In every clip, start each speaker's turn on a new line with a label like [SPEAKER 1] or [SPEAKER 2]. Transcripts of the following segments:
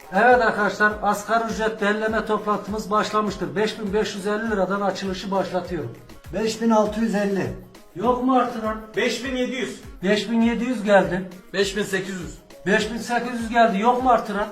[SPEAKER 1] Evet arkadaşlar, asgari ücret belirleme toplantımız başlamıştır. 5550 liradan açılışı başlatıyorum.
[SPEAKER 2] 5650.
[SPEAKER 1] Yok mu artıran?
[SPEAKER 3] 5700.
[SPEAKER 1] 5700 geldi.
[SPEAKER 3] 5800.
[SPEAKER 1] 5800 geldi. Yok mu artıran?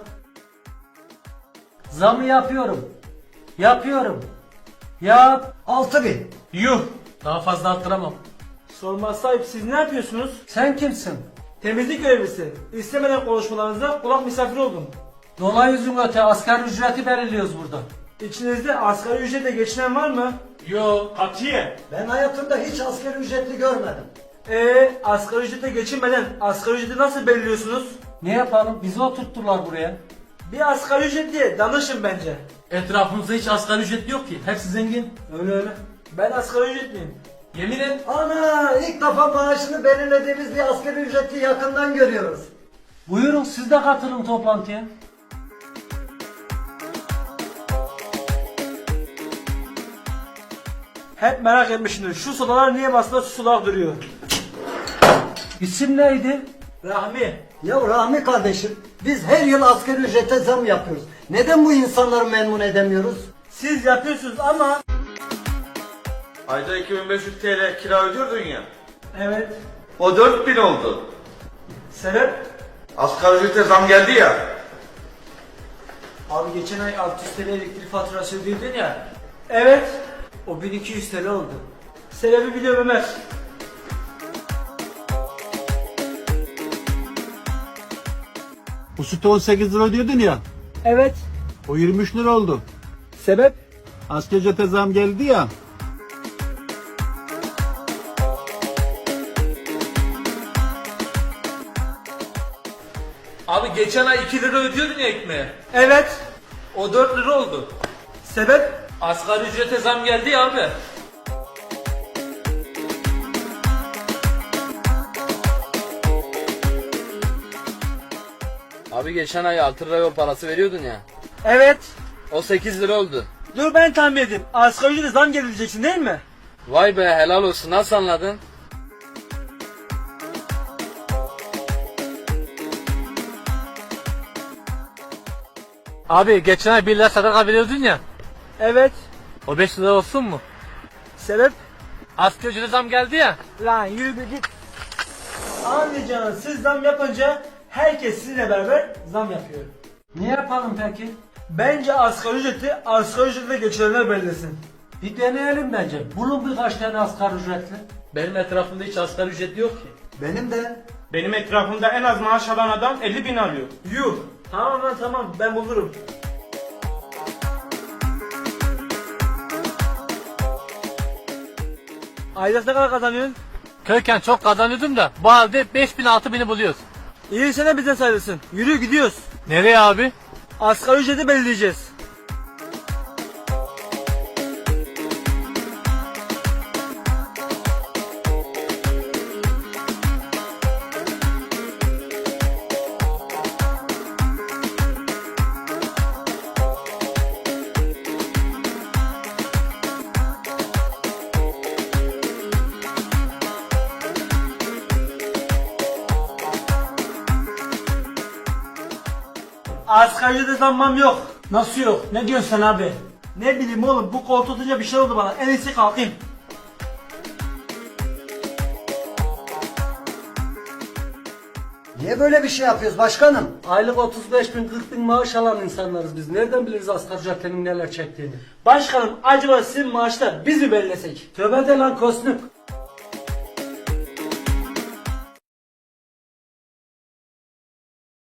[SPEAKER 1] Zamı yapıyorum. Yapıyorum. Yap.
[SPEAKER 2] 6000.
[SPEAKER 3] Yuh. Daha fazla arttıramam. Sormaz sahip, siz ne yapıyorsunuz?
[SPEAKER 1] Sen kimsin?
[SPEAKER 3] Temizlik görevlisi. İstemeden konuşmalarınıza kulak misafiri oldum.
[SPEAKER 1] Dolayı yüzün öte asgari ücreti belirliyoruz burada.
[SPEAKER 3] İçinizde asgari ücretle geçinen var mı? Yo. Katiye.
[SPEAKER 2] Ben hayatımda hiç asgari ücretli görmedim.
[SPEAKER 3] Asgari ücretle geçinmeden asgari ücreti nasıl belirliyorsunuz?
[SPEAKER 1] Ne yapalım? Bizi oturttular buraya.
[SPEAKER 3] Bir asgari ücretliye danışın bence.
[SPEAKER 4] Etrafımızda hiç asgari ücretli yok ki. Hepsi zengin.
[SPEAKER 1] Öyle.
[SPEAKER 3] Ben asgari ücretliyim.
[SPEAKER 4] Yemin et.
[SPEAKER 2] Ana, ilk defa maaşını belirlediğimiz bir asgari ücretli yakından görüyoruz.
[SPEAKER 1] Buyurun, siz de katılın toplantıya.
[SPEAKER 3] Hep merak etmişimdir. Şu sodalar niye masada su olarak duruyor?
[SPEAKER 1] İsim neydi?
[SPEAKER 3] Rahmi.
[SPEAKER 2] Ya Rahmi kardeşim, biz her yıl asgari ücrete zam yapıyoruz. Neden bu insanları memnun edemiyoruz?
[SPEAKER 3] Siz yapıyorsunuz ama...
[SPEAKER 5] Ayda 2500 TL kira ödüyordun ya.
[SPEAKER 3] Evet.
[SPEAKER 5] O 4000 oldu.
[SPEAKER 3] Sebep?
[SPEAKER 5] Asgari ücrete zam geldi ya.
[SPEAKER 3] Abi geçen ay 600 TL elektrik faturası ödüyordun ya. Evet. O 1200 TL oldu. Sebebi biliyorum Ömer.
[SPEAKER 6] Bu sütü 18 lira ödüyordun ya.
[SPEAKER 3] Evet.
[SPEAKER 6] O 23 lira oldu.
[SPEAKER 3] Sebep?
[SPEAKER 6] Asgari ücrete zam geldi ya.
[SPEAKER 4] Abi geçen ay 2 lira ödüyordun ya ekmeğe.
[SPEAKER 3] Evet.
[SPEAKER 4] O 4 lira oldu.
[SPEAKER 3] Sebep?
[SPEAKER 4] Asgari ücrete zam geldi ya abi.
[SPEAKER 7] Abi geçen ay 6 lira yol parası veriyordun ya.
[SPEAKER 3] Evet.
[SPEAKER 7] O 8 lira oldu.
[SPEAKER 3] Dur ben tahmin edeyim. Asgari ücrete zam geleceksin değil mi?
[SPEAKER 7] Vay be, helal olsun, nasıl anladın?
[SPEAKER 4] Abi geçen ay 1 lira sadaka veriyordun ya.
[SPEAKER 3] Evet.
[SPEAKER 4] O 5 lira olsun mu?
[SPEAKER 3] Sebep?
[SPEAKER 4] Asgari ücrete zam geldi ya.
[SPEAKER 3] Lan yürü bir git. Anlayacağınız, siz zam yapınca herkes sizinle beraber zam yapıyor.
[SPEAKER 1] Ne yapalım peki?
[SPEAKER 3] Bence asgari ücretle geçirenler belirlesin.
[SPEAKER 1] Bir deneyelim bence. Bulun birkaç tane asgari ücretli.
[SPEAKER 4] Benim etrafımda hiç asgari ücretli yok ki.
[SPEAKER 2] Benim de.
[SPEAKER 3] Benim etrafımda en az maaş alan adam 50.000 alıyor. Yuh. Tamam lan tamam, ben bulurum. Aylık ne kadar kazanıyorsun?
[SPEAKER 4] Köyken çok kazanıyordum da bu halde 5000-6000'i buluyoruz.
[SPEAKER 3] İyi sene bize sayılırsın. Yürü gidiyoruz.
[SPEAKER 4] Nereye abi?
[SPEAKER 3] Asgari ücreti belirleyeceğiz. Asgari ücrete zammam yok. Nasıl yok? Ne diyorsun sen abi? Ne bileyim oğlum, bu koltuğa oturunca bir şey oldu bana. En iyisi kalkayım.
[SPEAKER 2] Niye böyle bir şey yapıyoruz başkanım?
[SPEAKER 1] Aylık 35 bin 40 bin maaş alan insanlarız biz. Nereden biliriz asgari ücretlerin neler çektiğini?
[SPEAKER 3] Başkanım, acaba sizin maaşlar biz mi belirlesek?
[SPEAKER 1] Tövbe de lan Kosnuk.